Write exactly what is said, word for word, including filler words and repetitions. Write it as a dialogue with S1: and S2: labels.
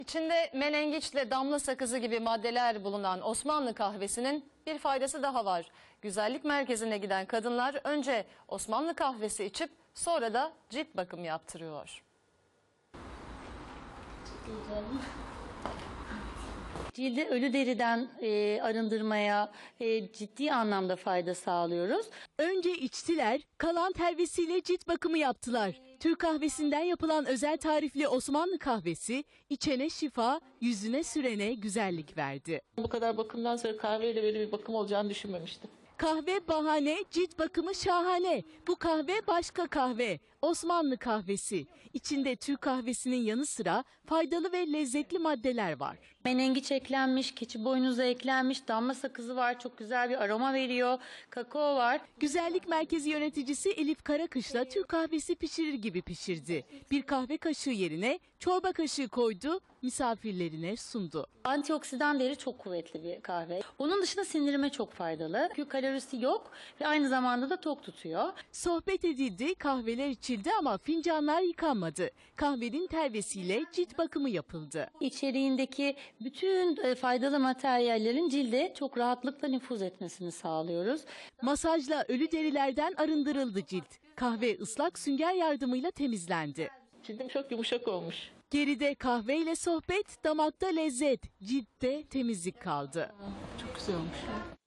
S1: İçinde menengiçle damla sakızı gibi maddeler bulunan Osmanlı kahvesinin bir faydası daha var. Güzellik merkezine giden kadınlar önce Osmanlı kahvesi içip sonra da cilt bakımı yaptırıyor.
S2: Cildi ölü deriden e, arındırmaya e, ciddi anlamda fayda sağlıyoruz.
S3: Önce içtiler, kalan telvesiyle cilt bakımı yaptılar. Türk kahvesinden yapılan özel tarifli Osmanlı kahvesi içene şifa, yüzüne sürene güzellik verdi.
S4: Bu kadar bakımdan sonra kahveyle böyle bir bakım olacağını düşünmemiştim.
S3: Kahve bahane, cilt bakımı şahane. Bu kahve başka kahve. Osmanlı kahvesi. İçinde Türk kahvesinin yanı sıra faydalı ve lezzetli maddeler var.
S2: Menengiç eklenmiş, keçi boynuzu eklenmiş, damla sakızı var, çok güzel bir aroma veriyor, kakao var.
S3: Güzellik merkezi yöneticisi Elif Karakış'la Türk kahvesi pişirir gibi pişirdi. Bir kahve kaşığı yerine çorba kaşığı koydu, misafirlerine sundu.
S2: Antioksidan değeri çok kuvvetli bir kahve. Onun dışında sindirime çok faydalı. Çünkü kalorisi yok ve aynı zamanda da tok tutuyor.
S3: Sohbet edildi, kahveler içildi ama fincanlar yıkanmadı. Kahvenin telvesiyle cilt bakımı yapıldı.
S2: İçeriğindeki bütün e, faydalı materyallerin cilde çok rahatlıkla nüfuz etmesini sağlıyoruz.
S3: Masajla ölü derilerden arındırıldı cilt. Kahve ıslak sünger yardımıyla temizlendi.
S4: Cildim çok yumuşak olmuş.
S3: Geride kahveyle sohbet, damakta lezzet, ciltte temizlik kaldı.
S4: Çok güzel olmuş.